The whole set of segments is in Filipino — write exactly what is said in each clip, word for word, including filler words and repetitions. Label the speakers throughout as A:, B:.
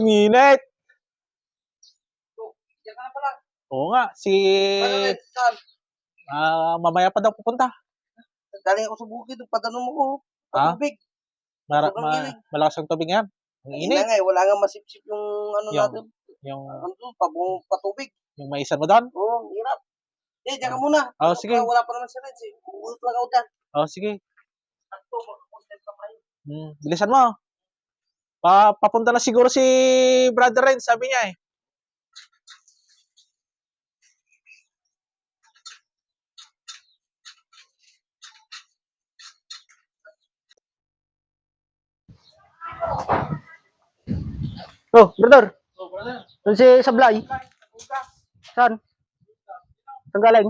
A: Ang init.
B: Diyan ka na pala.
A: Oo nga, si...
B: Ano rin? Saan?
A: Ah, mamaya pa daw pupunta.
B: Galing ako sa bukid. Padano mo ko.
A: Ha?
B: Patubig.
A: Mara,
B: Sobrang
A: ma,
B: init.
A: malakas ang tubig yan. Ang
B: Hindi na
A: init.
B: nga eh. Wala nga masipsip yung ano
A: Yung,
B: natin.
A: yung,
B: Ano doon? Pabong patubig.
A: yung maisan mo doon?
B: Oo, hirap. Eh, diyan ka
A: Ah.
B: muna.
A: Oh,
B: Ano
A: sige.
B: pa, wala pa naman si Reds eh. Uulot lang ako dyan.
A: Oh, sige.
B: Sakto, mag-content pa kayo.
A: Hmm, bilisan mo. Pa, papunta na siguro si Brother Ren, sabi niya eh.
C: Oh, brother.
A: Oh, brother.
C: Doon si Sablay. Saan? Saan galing?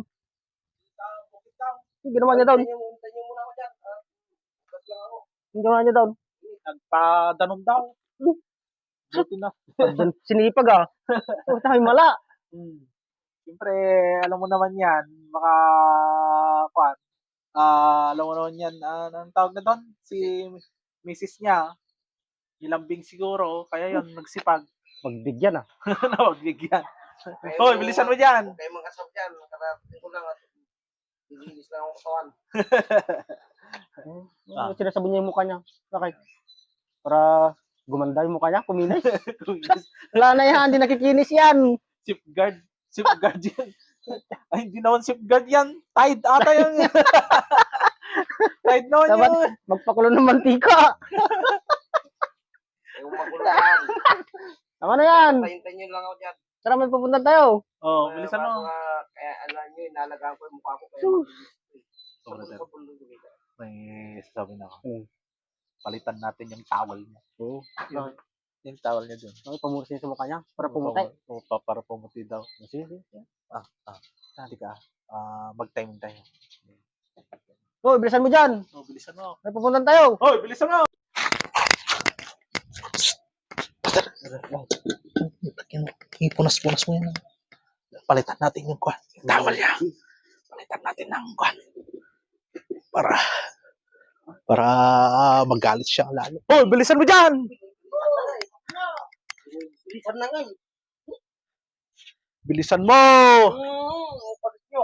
C: Yung ginawa niya doon.
B: Hintayin niyo muna ako dyan. Ah, ugat lang ako.
C: Yung ginawa niya doon.
A: Nagpadanog daw. Buti na.
C: Diyan, sinipag ah. Oh, tayo mala.
A: Hmm. Siyempre, alam mo naman yan, baka, kwan, ah, alam mo naman yan, ah, anong tawag na doon? Si misis niya, nilambing siguro, kaya yon nagsipag.
C: Magbigyan ah.
A: Nawagbigyan. Hoy, bilisan mo dyan.
B: Huwag kayong mag-asap dyan. Nakarating ko lang at nilinis lang ako katawan.
C: Ah. Sinasabi niya yung mukha niya. Bakit? Para gumanda yung mukha niya, kuminis. Wala na yan, hindi nakikinis yan.
A: Safeguard. Safeguard yan. Ay, hindi naman safeguard yan. Tide ata yan. Tide naman
C: Dapat
A: yun.
C: magpakulo ng mantika.
B: Yung magulaan.
C: Tama na yan.
B: Hintayin niyo lang ako dyan.
C: Tara, may pupunta tayo.
A: Oh, bilisan mo.
B: Kaya, kaya alam niyo, inalagaan ko yung mukha ko. Kaya
C: Hmm.
B: makinis. Sa bundok dito.
A: May sabi na ako.
C: Hmm.
A: Palitan natin yung towel niya.
C: Oo.
A: Yung, yung towel niya dun.
C: Ay, pamursi sa mukha niya. Para pumuti.
A: Oo, pa, para pumuti daw.
C: Sige, sige.
A: Ah, ah. Hindi ka. Ah, mag-time tayo.
C: Oh, bilisan mo dyan.
A: Oh, bilisan mo.
C: May pupunta tayo.
A: Hoy, bilisan mo. Ipunas-punas mo yan. Palitan natin yung kwan. Yung towel niya. Palitan natin ng kwan. Para para magalit siya lalo. Hoy, bilisan mo dyan!
B: Bilisan na nga eh.
A: Bilisan mo!
B: Hmm, palit nyo.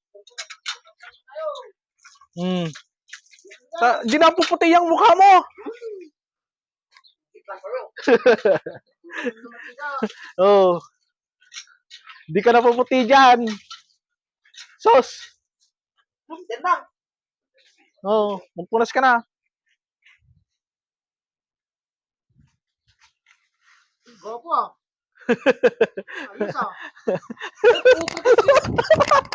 A: Hmm. Ta- di na puputi yung mukha mo.
B: Iklan kayo.
A: Oh. Di ka na puputi dyan. Sos.
B: Yan lang.
A: Oh, magpunas ka na.
B: Gopo ah. Ayos ah.